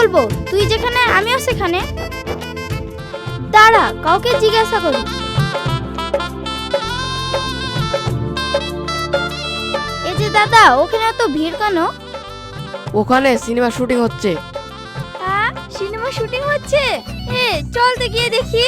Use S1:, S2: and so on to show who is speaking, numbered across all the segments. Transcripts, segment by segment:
S1: বলবো তুই যেখানে আমিও সেখানে? দাঁড়া, কাউকে জিজ্ঞাসা করি। এই যে দাদা, ওখানে তো ভিড় কেন?
S2: ওখানে সিনেমা শুটিং হচ্ছে।
S1: হ্যাঁ, সিনেমা শুটিং হচ্ছে? চল তো গিয়ে দেখি।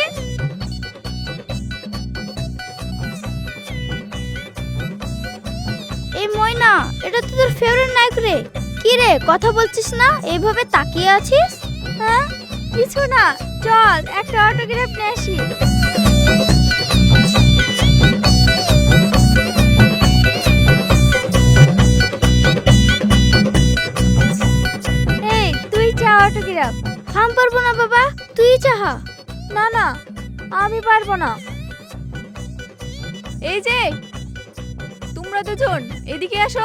S1: এই ময়না, এটা তো তোর ফেভারিট নায়ক রে। কি রে, কথা বলছিস না, এইভাবে তাকিয়ে আছিস? হ্যাঁ, কিছু না, চল একটা অটোগ্রাফ নিয়ে আসি। এই তুই চা অটোগ্রাফ। আমি পারবো না বাবা, তুই চাহা। না না, আমি পারবো না।
S3: এই যে তোমরা দুজন এদিকে আসো।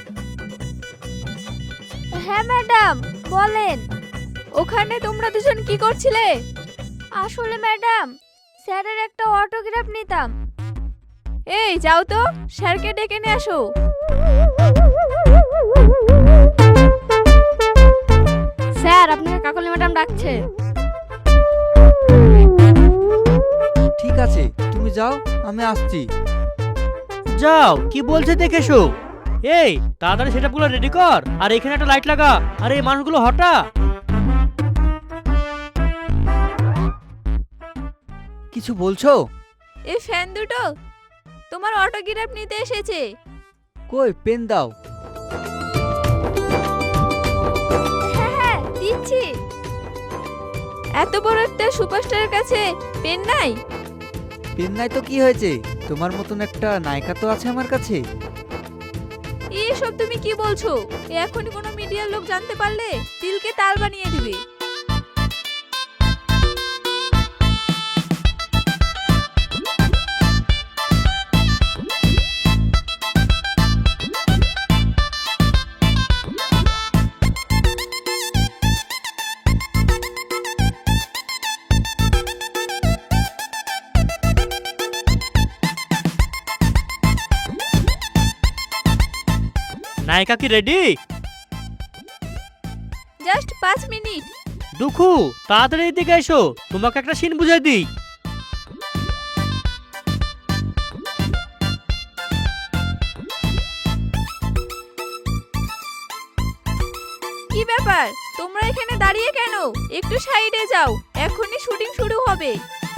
S1: হ্যাঁ ম্যাডাম, বলেন।
S3: ওখানে তোমরা দুজন কি করছিলে?
S1: আসলে ম্যাডাম, স্যারের একটা অটোগ্রাফ নিতাম।
S3: এই যাও তো, স্যারকে ডেকে নিয়ে আসো।
S1: স্যার, আপনাকে কাকলি ম্যাডাম ডাকছে।
S4: ঠিক আছে, তুমি যাও, আমি আসছি।
S5: যাও, কি বলছে দেখেছো। এই তাড়াতাড়ি সেটআপগুলো রেডি কর, আর এখানে একটা লাইট লাগা, আর এই মানুষগুলো হটা।
S4: কিছু বলছো?
S3: এই ফ্যান দুটো তোমার অটোগ্রাফ নিতে এসেছে।
S4: কই, পেন দাও।
S1: হ্যাঁ হ্যাঁ, দিচ্ছি।
S3: এত বড় একটা সুপারস্টারের কাছে পেন নাই?
S4: পেন নাই তো কি হয়েছে, তোমার মতন একটা নায়িকা তো আছে আমার কাছে।
S3: এসব তুমি কি বলছো? এখনই কোনো মিডিয়ার লোক জানতে পারলে তিলকে তাল বানিয়ে দিবে।
S5: নায়িকা কি রেডি?
S3: Just 5 minute.
S5: দুখু, তাড়াতাড়ি এদিকে এসো, তোমাকে একটা সিন বুঝাই দিই।
S3: কি ব্যাপার, তোমরা এখানে দাঁড়িয়ে কেন? একটু সাইডে যাও, এখনই শুটিং শুরু হবে।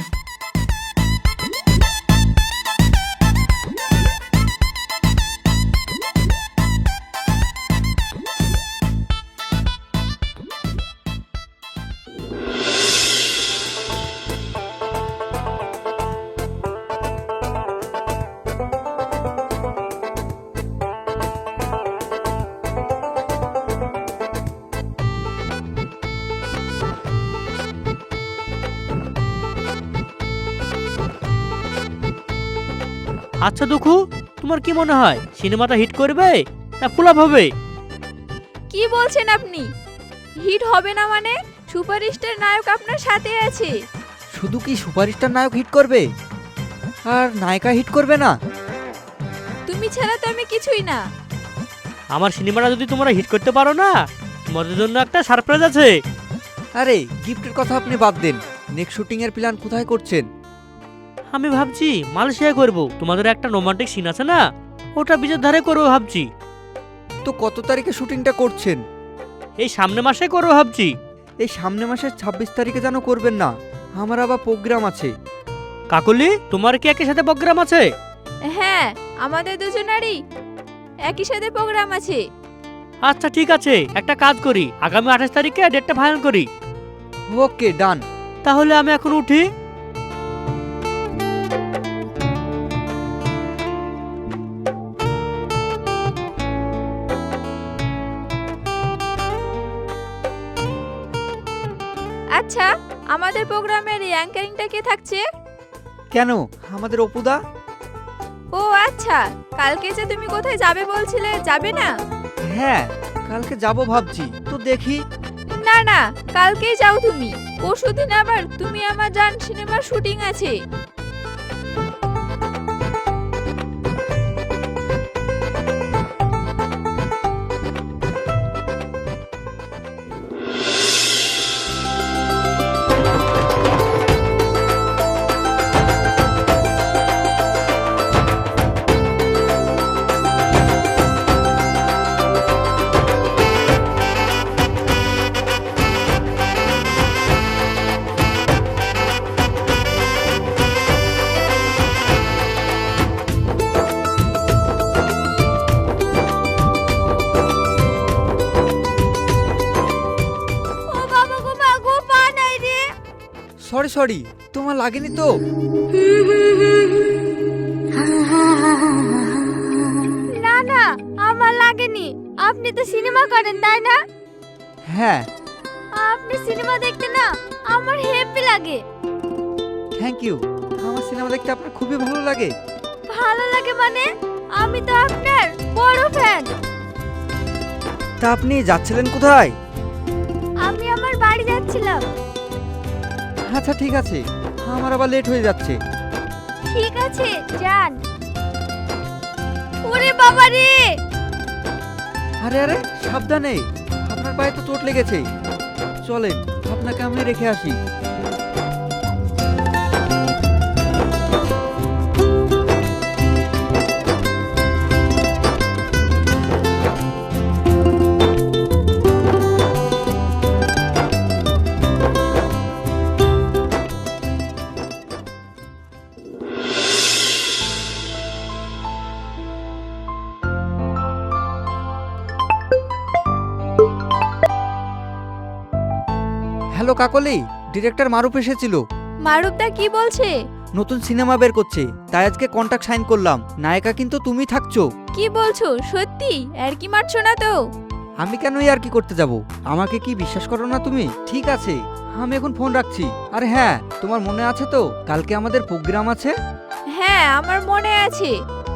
S5: আচ্ছা দুখু, তোমার কি মনে হয় সিনেমাটা হিট করবে না ফ্লপ হবে?
S3: কি বলছেন আপনি? হিট হবে না মানে? সুপারস্টার নায়ক আপনার সাথে আছে।
S4: শুধু কি সুপারস্টার নায়ক হিট করবে, আর নায়িকা হিট করবে না?
S3: তুমি ছাড়া তো আমি কিছুই না।
S5: আমার সিনেমাটা যদি তোমরা হিট করতে পারো না, তোমাদের জন্য একটা সারপ্রাইজ আছে।
S4: আরে, গিফটের কথা আপনি বাদ দেন, নেক্সট শুটিং এর প্ল্যান কোথায় করছেন?
S5: আমি ভাবছি মালয়েশিয়ায় করব। তোমাদের একটা রোমান্টিক সিন আছে না, ওটা বিচের ধারে করবো ভাবছি।
S4: তো কত তারিখে শুটিংটা করছেন?
S5: এই সামনে মাসে করবো ভাবছি।
S4: এই সামনে মাসের 26 তারিখে যেন করবেন না, আমার আবার প্রোগ্রাম আছে।
S5: কাকলি, তোমার কি একই সাথে প্রোগ্রাম আছে?
S3: হ্যাঁ, আমাদের দুজনারই একই সাথে প্রোগ্রাম আছে।
S5: আচ্ছা ঠিক আছে, একটা কাজ করি, আগামী 28 তারিখে ডেটটা ফাইনাল করি।
S4: ওকে, ডান।
S5: তাহলে আমি এখন উঠি।
S3: আচ্ছা, আমাদের প্রোগ্রামের অ্যাঙ্কারিংটা কে থাকছে?
S4: কেন, আমাদের অপুদা।
S3: ও আচ্ছা, কালকে যে তুমি কোথায় যাবে বলছিলে, যাবে না?
S4: হ্যাঁ, কালকে যাব ভাবছি, তো দেখি।
S3: না না, কালকেই যাও তুমি। পরশুদিন আবার তুমি আমার জান সিনেমার শুটিং আছে।
S4: সরি সরি, তোমার লাগেনি তো?
S1: না না, আমার লাগেনি। আপনি তো সিনেমা করেন তাই না?
S4: হ্যাঁ।
S1: আপনি সিনেমা দেখতে না আমার হ্যাপি লাগে।
S4: Thank you. আমার সিনেমা দেখতে আপনার খুবই ভালো লাগে।
S1: ভালো লাগে মানে আমি তো আপনার বড় ফ্যান।
S4: তা আপনি যাচ্ছিলেন কোথায়?
S1: আমি আমার বাড়ি যাচ্ছিলাম।
S4: আচ্ছা ঠিক আছে, আমার আবার লেট হয়ে যাচ্ছে।
S1: ঠিক আছে যান। ওরে বাবা রে!
S4: আরে আরে সাবধানে, আপনার পায়ে তো চোট লেগেছে। চলেন, আপনাকে আমি রেখে আসি। হ্যালো কাকলি, ডিরেক্টর মারুফ এসেছিল।
S3: মারুফদা কি বলছে?
S4: নতুন সিনেমা বের করছে, তাই আজকে কন্ট্রাক্ট সাইন করলাম। নায়িকা কিন্তু তুমি থাকছো।
S3: কি বলছো সত্যি? আর কি মারছো না তো?
S4: আমি কেন আর কি করতে যাব? আমাকে কি বিশ্বাস করো না তুমি? ঠিক আছে, আমি এখন ফোন রাখছি। আর হ্যাঁ, তোমার মনে আছে তো কালকে আমাদের প্রোগ্রাম আছে?
S3: হ্যাঁ আমার মনে আছে।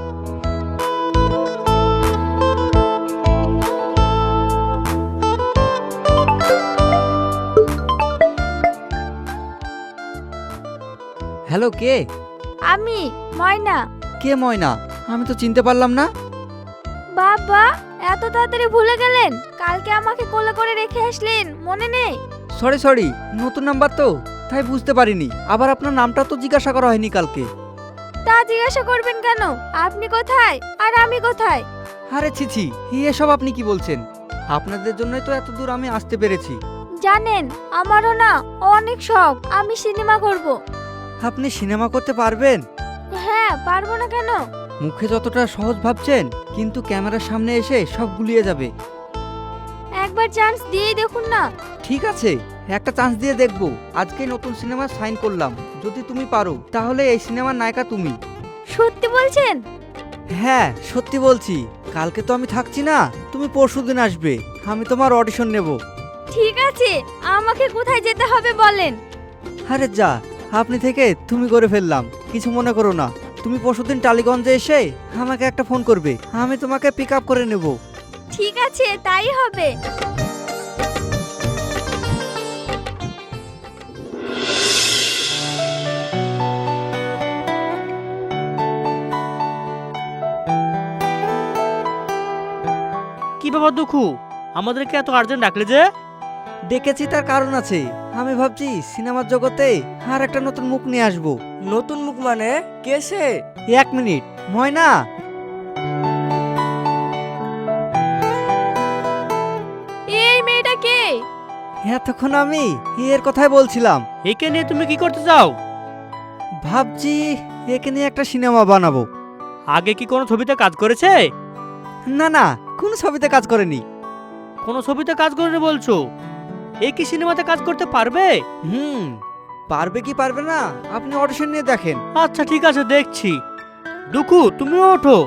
S4: হ্যালো, কে?
S1: আমি ময়না।
S4: কে ময়না? আমি তো চিনতে পারলাম না।
S1: বাবা এত তাড়াতাড়ি ভুলে গেলেন? কালকে আমাকে কোলে করে রেখে আসলেন, মনে নেই?
S4: সরি সরি, নতুন নাম্বার তো তাই বুঝতে পারিনি। আবার আপনার নামটা তো জিজ্ঞাসা করা হয়নি কালকে।
S1: তা জিজ্ঞাসা করবেন কেন? আপনি কোথায় আর আমি কোথায়?
S4: আরে ছিছি, এসব আপনি কি বলছেন? আপনাদের জন্যই তো এত দূর আমি আসতে পেরেছি।
S1: জানেন আমারও না অনেক শখ, আমি সিনেমা করব।
S4: আপনি সিনেমা করতে পারবেন?
S1: হ্যাঁ পারবো না কেন?
S4: মুখে যতটা সহজ ভাবছেন, কিন্তু ক্যামেরার সামনে এসে সব গুলিয়ে যাবে।
S1: একবার চান্স দিয়েই দেখুন না।
S4: ঠিক আছে, একটা চান্স দিয়ে দেখব। আজকে নতুন সিনেমা সাইন করলাম, যদি তুমি পারো তাহলে এই সিনেমার নায়িকা তুমি।
S1: সত্যি বলছেন?
S4: হ্যাঁ সত্যি বলছি। কালকে তো আমি থাকছি না, তুমি পরশুদিন আসবে, আমি তোমার অডিশন নেব।
S1: ঠিক আছে, আমাকে কোথায় যেতে হবে বলেন।
S4: আরে যা, আপনি থেকে তুমি করে ফেললাম, কিছু মনে করো না। তুমি পরশুদিন টালিগঞ্জে এসে আমাকে একটা ফোন করবে, আমি তোমাকে পিক আপ করে নেব।
S1: ঠিক আছে তাই হবে।
S5: কি ব্যাপার দুঃখু, আমাদেরকে এত আর্জেন্ট ডাকলে যে?
S4: ডেকেছি তার কারণ আছে। আমি ভাবছি সিনেমার জগতে আর একটা নতুন মুখ নিয়ে আসবো।
S2: নতুন মুখ মানে? কে সে?
S4: 1 মিনিট। ময়না,
S3: এই মেয়েটা কে?
S4: এতক্ষণ আমি এর কথাই বলছিলাম।
S5: একে নিয়ে তুমি কি করতে চাও?
S4: ভাবছি একে নিয়ে একটা সিনেমা বানাবো।
S5: আগে কি কোনো ছবিতে কাজ করেছে?
S4: না না, কোন ছবিতে কাজ করেনি।
S5: কোনো ছবিতে কাজ করেনি বলছো? এ কি সিনেমাতে কাজ করতে পারবে?
S4: পারবে কি পারবে না আপনি অডিশন নিয়ে দেখেন।
S5: আচ্ছা ঠিক আছে, দেখছি। দুঃখু তুমিও ওঠো।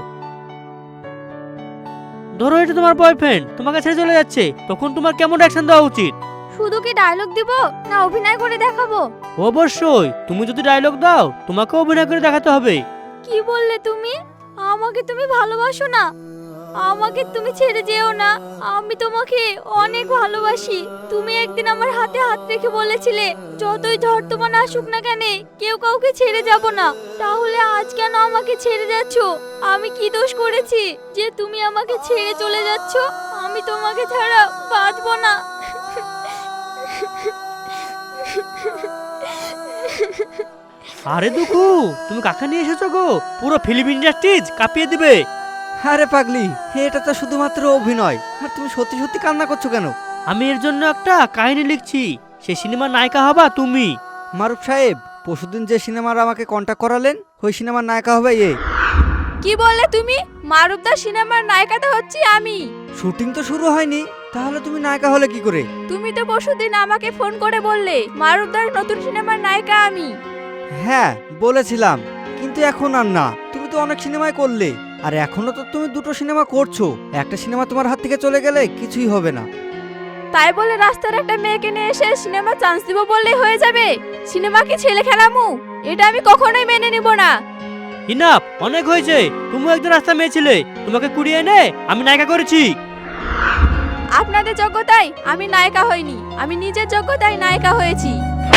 S5: ধরো এটা তোমার বয়ফ্রেন্ড তোমাকে ছেড়ে চলে যাচ্ছে, তখন তোমার কেমন অ্যাকশন দেওয়া উচিত?
S1: শুধু কি ডায়লগ দিব না অভিনয় করে দেখাবো?
S5: অবশ্যই, তুমি যদি ডায়লগ দাও তোমাকে অভিনয় করে দেখাতে হবে।
S1: কি বললে তুমি? আমাকে তুমি ভালোবাসো না? আমাকে তুমি ছেড়ে যেও না, আমি তোমাকে অনেক ভালোবাসি। তুমি একদিন আমার হাতে হাত রেখে বলেছিলে যতই ঝড় তোমার আসুক না কেন কেউ কাউকে ছেড়ে যাব না। তাহলে আজ কেন আমাকে ছেড়ে যাচ্ছ? আমি কি দোষ করেছি যে তুমি আমাকে ছেড়ে চলে যাচ্ছ? আমি তোমাকে ছাড়া বাঁচবো না।
S5: আরে দুঃখু, তুমি কাকে নিয়ে এসেছো গো? পুরো ফিল্ম ইন্ডাস্ট্রিজ কাঁপিয়ে দিবে।
S4: আরে পাগলি, এটা তো শুধুমাত্র অভিনয়। আর তুমি সত্যি সত্যি কান্না করছো কেন?
S5: আমি এর জন্য একটা কাহিনী লিখছি, সেই সিনেমার নায়িকা হবা তুমি।
S4: মারুফ সাহেব, পরশুদিন যে সিনেমার আমাকে কন্ট্যাক্ট করালেন, ওই সিনেমার নায়িকা হবে এ।
S3: কি বললে তুমি? মারুফদা সিনেমার নায়িকাটা হচ্ছি আমি।
S4: শুটিং তো শুরু হয়নি, তাহলে তুমি নায়িকা হলে কি করে?
S3: তুমি তো পরশুদিন আমাকে ফোন করে বললে মারুফদার নতুন সিনেমার নায়িকা আমি।
S4: হ্যাঁ বলেছিলাম, কিন্তু এখন আর না। তুমি তো অনেক সিনেমায় করলে, আর এখনো তো তুমি দুটো সিনেমা করছো। একটা সিনেমা তোমার হাত থেকে চলে গেলে কিছুই হবে না।
S3: তাই বলে রাস্তার একটা মেয়েকে নিয়ে এসে সিনেমা চান্স দিব বললেই হয়ে যাবে? সিনেমা কি ছেলে খেলামু? এটা আমি কখনোই মেনে নিব না।
S5: ইনাফ, অনেক হয়েছে। তুমিও একজন রাস্তা মেয়ে ছিলে, তোমাকে কুড়িয়ে এনে আমি নায়িকা করেছি।
S3: আপনাদের যোগ্যতায় আমি নায়িকা হইনি, আমি নিজের যোগ্যতায় নায়িকা হয়েছি।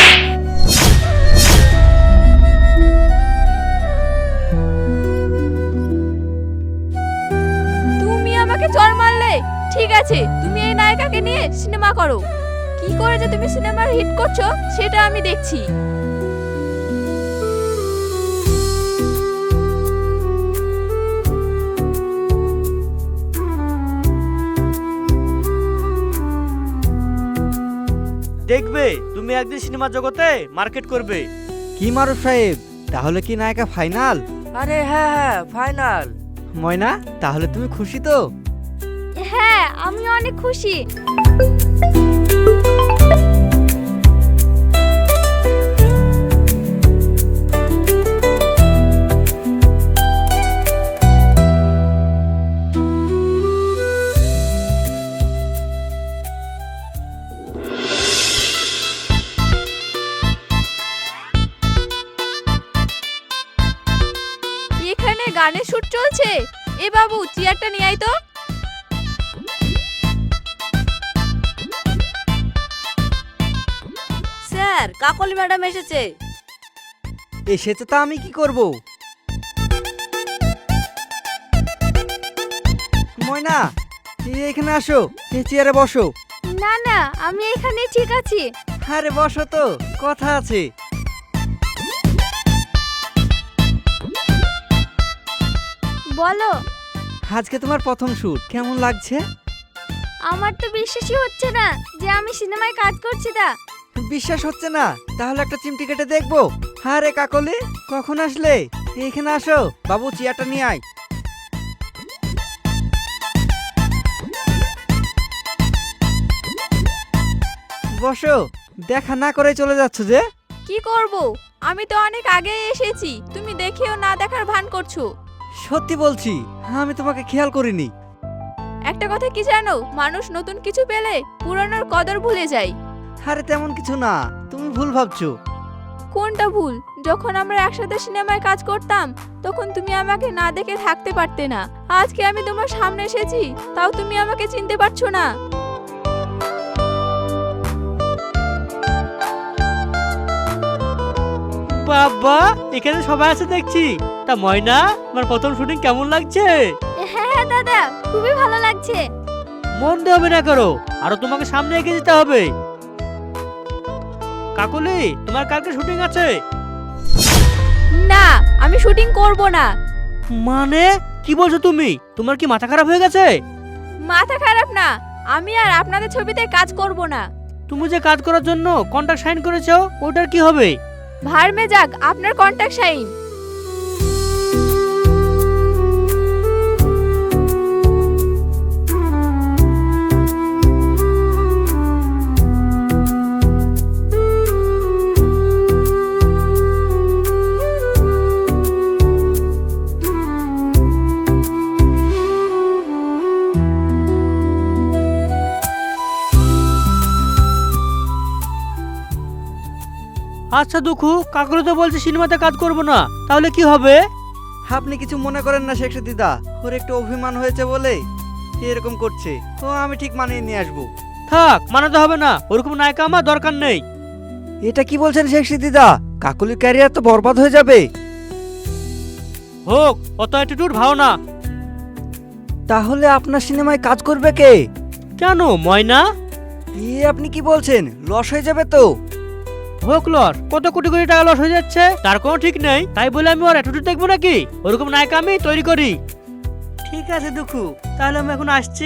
S3: তুমি আমাকে চড় মারলে? ঠিক আছে, তুমি এই নায়িকাকে নিয়ে সিনেমা করো। কি করে যে তুমি সিনেমার হিট করছো সেটা আমি দেখছি।
S5: দেখবে তুমি একদিন সিনেমা জগতে মার্কেট করবে।
S4: কি মারুফ সাহেব, তাহলে কি নায়িকা ফাইনাল?
S2: আরে হ্যাঁ হ্যাঁ, ফাইনাল।
S4: ময়না, তাহলে তুমি খুশি তো?
S1: হ্যাঁ, আমি অনেক খুশি।
S3: এখানে গানের শুট চলছে। এ বাবু, চেয়ারটা নিয়ে আয় তো।
S6: স্যার, কাকলি ম্যাডাম এসেছে।
S4: এসেছে তা আমি কি করব? ময়না, এখানে আসো, এই চেয়ারে বসো।
S1: না না, আমি এখানে ঠিক আছি।
S4: আরে বসো তো, কথা আছে।
S1: বলো।
S4: আজকে তোমার প্রথম শুট, কেমন লাগছে?
S1: আমার তো বিশ্বাসই হচ্ছে না যে আমি সিনেমায় কাজ করছি। তা
S4: বিশ্বাস হচ্ছে না? তাহলে একটা চিমটি কেটে দেখবো। আরে কাকলি, কখন আসলে? এইখানে আসো, বাবু চেয়ারটা নিয়ে আয়। বসো। দেখা না করে চলে যাচ্ছ যে?
S3: কি করব? আমি তো অনেক আগে এসেছি, তুমি দেখেও না দেখার ভান করছো।
S4: সত্যি বলছি, আমি তোমাকে খেয়াল করিনি।
S3: একটা কথা কি জানো, মানুষ নতুন কিছু পেলে পুরানোর কদর ভুলে যায়।
S4: আরে তেমন কিছু না, তুমি ভুল ভাবছো।
S3: কোনটা ভুল? যখন আমরা একসাথে সিনেমায় কাজ করতাম তখন তুমি আমাকে না দেখে থাকতে পারতে না। আজকে আমি তোমার সামনে এসেছি, তাও তুমি আমাকে চিনতে পারছো না।
S5: বাবা, এখানে সবাই আছে দেখছি। তা ময়না, আমার প্রথম শুটিং কেমন লাগছে?
S1: হ্যাঁ হ্যাঁ দাদা, খুবই ভালো লাগছে।
S5: মন দিয়ে হবে না করো, আরো তোমাকে সামনে এগিয়ে যেতে হবে। কাকলি, তোমার কালকে শুটিং আছে?
S3: না, আমি শুটিং করব না।
S5: মানে কি বলছো তুমি? তোমার কি মাথা খারাপ হয়ে গেছে?
S3: মাথা খারাপ না, আমি আর আপনাদের ছবিতে কাজ করব না।
S5: তুমি যে কাজ করার জন্য কন্ট্রাক্ট সাইন করেছো, ওটার কি হবে?
S3: ভার্মে যাক আপনার কন্ট্যাক্ট সাইন।
S5: আচ্ছা দুঃখু, কাকলি তো বলছে সিনেমাতে কাজ করব না, তাহলে কি হবে?
S4: আপনি কিছু মনে করেন না শেখ দিদা, ওর একটু অভিমান হয়েছে বলে এরকম করছে। ও আমি ঠিক মানিয়ে নিয়ে আসবো।
S5: থাক, মানাতে হবে না, ওরকম নায়িকা আমার দরকার নেই।
S4: এটা কি বলছেন শেখ দিদা? কাকলির ক্যারিয়ার তো বরবাদ হয়ে যাবে।
S5: হোক, অত অ্যাটিটিউড ভালো না।
S4: তাহলে আপনার সিনেমায় কাজ করবে কে?
S5: কেন ময়না?
S4: আপনি কি বলছেন? লস হয়ে যাবে তো?
S5: হোক লস, কত কোটি কোটি টাকা লস হয়ে যাচ্ছে, তার কোনো ঠিক নেই। তাই বলে আমি ওর অ্যাটিটিউড দেখবো নাকি? ওরকম নায়িকা আমি তৈরি করি। ঠিক আছে দুঃখু, তাহলে আমি এখন আসছি।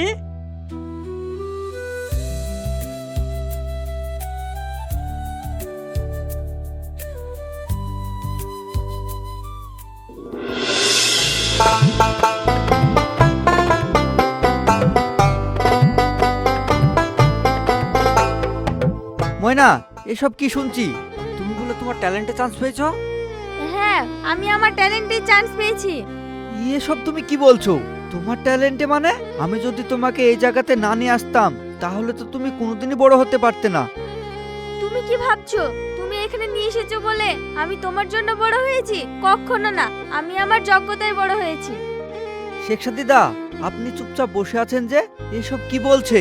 S4: ময়না, এসব কি শুনছি? তুমি বলে তোমার ট্যালেন্টে চান্স পেয়েছো?
S1: হ্যাঁ, আমি আমার ট্যালেন্টে চান্স পেয়েছি।
S4: এসব তুমি কি বলছো? তোমার ট্যালেন্টে মানে? আমি যদি তোমাকে এই জায়গাতে না নিয়ে আসতাম তাহলে তো তুমি কোনোদিনই বড় হতে পারতে না।
S1: তুমি কি ভাবছো তুমি এখানে নিয়ে এসেছো বলে আমি তোমার জন্য বড় হয়েছি? কখনো না, আমি আমার যোগ্যতায় বড় হয়েছি।
S4: শেখ সাদিদা, আপনি চুপচাপ বসে আছেন যে? এসব কি বলছে?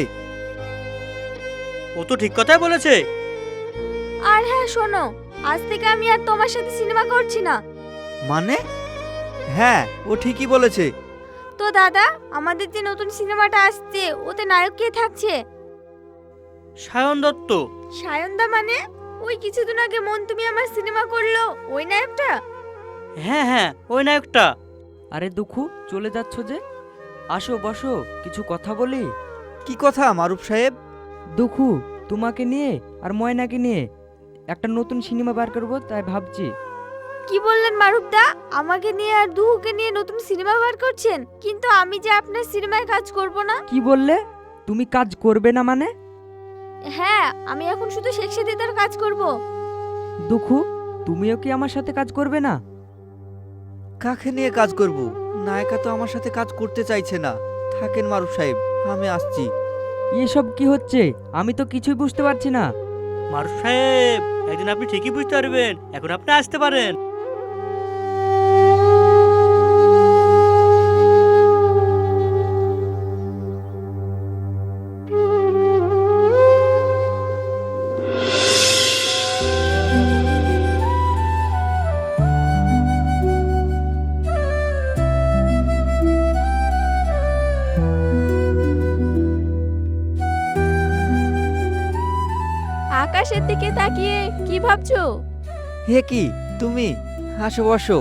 S5: ও তো ঠিক কথাই বলেছে।
S1: আর হ্যাঁ শোনো, আজ থেকে আমি আর তোমার সাথে সিনেমা করছি না।
S4: মানে? হ্যাঁ, ও ঠিকই বলেছে।
S1: তো দাদা, আমাদের যে নতুন সিনেমাটা আসছে ওতে নায়ক কে থাকছে?
S5: সায়ন দত্ত।
S1: সায়নদা মানে? ওই কিছুদিন আগে মন তুমি আমার সিনেমা করলো ওই নায়কটা?
S5: হ্যাঁ হ্যাঁ, ওই নায়কটা।
S2: আরে দুঃখু, চলে যাচ্ছ যে? আসো বসো, কিছু কথা বলি।
S4: কি কথা মারুফ সাহেব?
S2: দুঃখু, তোমাকে নিয়ে আর ময়নাকে নিয়ে একটা নতুন সিনেমা বার করবো, তাই ভাবছি।
S1: কি বললেন মারুফদা? আমাকে নিয়ে আর দুহুকে নিয়ে নতুন সিনেমা বার করছেন? কিন্তু আমি যে আপনার সিনেমায় কাজ করব না।
S2: কি বললে? তুমি কাজ করবে না মানে?
S1: হ্যাঁ, আমি এখন শুধু শেখ সাদিদার কাজ করব।
S2: দুঃখু, তুমিও কি আমার সাথে কাজ করবে না?
S4: কাকে নিয়ে কাজ করব? নায়িকা তো আমার সাথে কাজ করতে চাইছে না। থাকেন মারুফ সাহেব, আমি আসছি।
S2: এসব কি হচ্ছে? আমি তো কিছুই বুঝতে পারছি না।
S5: মারুফ সাহেব, একদিন আপনি ঠিকই বুঝতে পারবেন। এখন আপনি আসতে পারেন।
S3: আকাশের দিকে তাকিয়ে কি ভাবছো?
S4: হে কি তুমি? আসো বসো।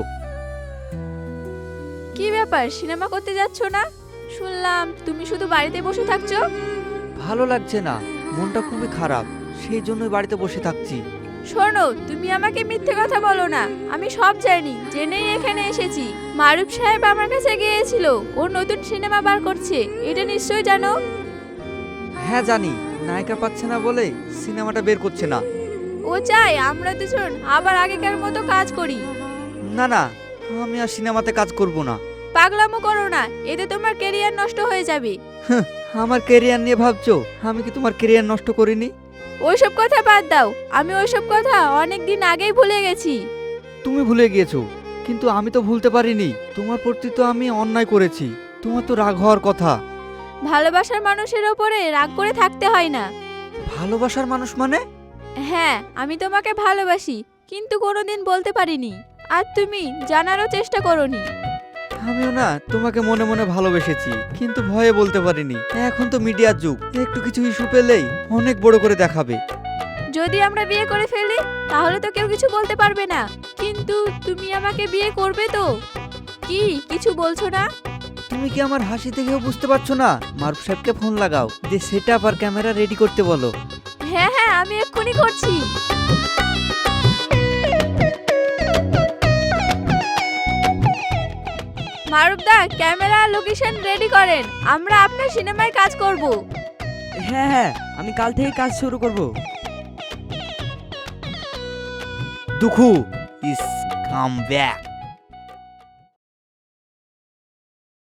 S3: কি ব্যাপার, সিনেমা করতে যাচ্ছ না? শুনলাম তুমি শুধু বাড়িতে বসে থাকছো।
S4: ভালো লাগছে না, মনটা খুবই খারাপ, সেই জন্যই বাড়িতে বসে থাকছি।
S3: শোনো, তুমি আমাকে মিথ্যে কথা বলো না। আমি সব জানি, জেনেই এখানে এসেছি। মারুফ সাহেব আমার কাছে গিয়েছিল, ও নতুন সিনেমা বার করছে, এটা নিশ্চয়ই জানো।
S4: হ্যাঁ জানি, নায়িকা পাচ্ছে না বলে সিনেমাটা বের করছে না।
S3: ও চায় আমরা দুজন আবার আগেকার মতো কাজ করি।
S4: না না, আমি আর সিনেমাতে কাজ করব না।
S3: পাগলামো করো না, এতে তোমার ক্যারিয়ার নষ্ট হয়ে যাবে।
S4: আমার ক্যারিয়ার নিয়ে ভাবছো? আমি কি তোমার ক্যারিয়ার নষ্ট করিনি?
S3: ওইসব কথা বাদ দাও, আমি ওইসব কথা অনেক দিন আগেই ভুলে গেছি।
S4: তুমি ভুলে গিয়েছো, কিন্তু আমি তো ভুলতে পারিনি। তোমার প্রতি তো আমি অন্যায় করেছি, তোমার তো রাগ হওয়ার কথা।
S3: ভালোবাসার মানুষের ওপরে রাগ করে থাকতে হয় না।
S4: ভালোবাসার মানুষ মানে?
S3: হ্যাঁ, আমি তোমাকে ভালোবাসি, কিন্তু কোনোদিন বলতে পারিনি, আর তুমি জানারও চেষ্টা করোনি।
S4: আমিও না তোমাকে মনে মনে ভালোবেসেছি, কিন্তু ভয়ে বলতে পারিনি। এখন তো মিডিয়ার যুগ, একটু কিছু ইস্যু পেলেই অনেক বড় করে দেখাবে।
S3: যদি আমরা বিয়ে করে ফেলি তাহলে তো কেউ কিছু বলতে পারবে না, কিন্তু তুমি আমাকে বিয়ে করবে তো? কি কিছু বলছো না?
S4: তুমি কি আমার হাসি দেখেও বুঝতে পারছো না? মারুফ সাহেবকে ফোন লাগাও, যে সেটআপ আর ক্যামেরা রেডি করতে বলো।
S3: হ্যাঁ হ্যাঁ, আমি এক্ষুনি করছি। মারুফদা, ক্যামেরা আর লোকেশন রেডি করেন, আমরা আপনার সিনেমায় কাজ করব।
S2: হ্যাঁ হ্যাঁ, আমি কাল থেকে কাজ শুরু করব।
S4: Dukhu is come back.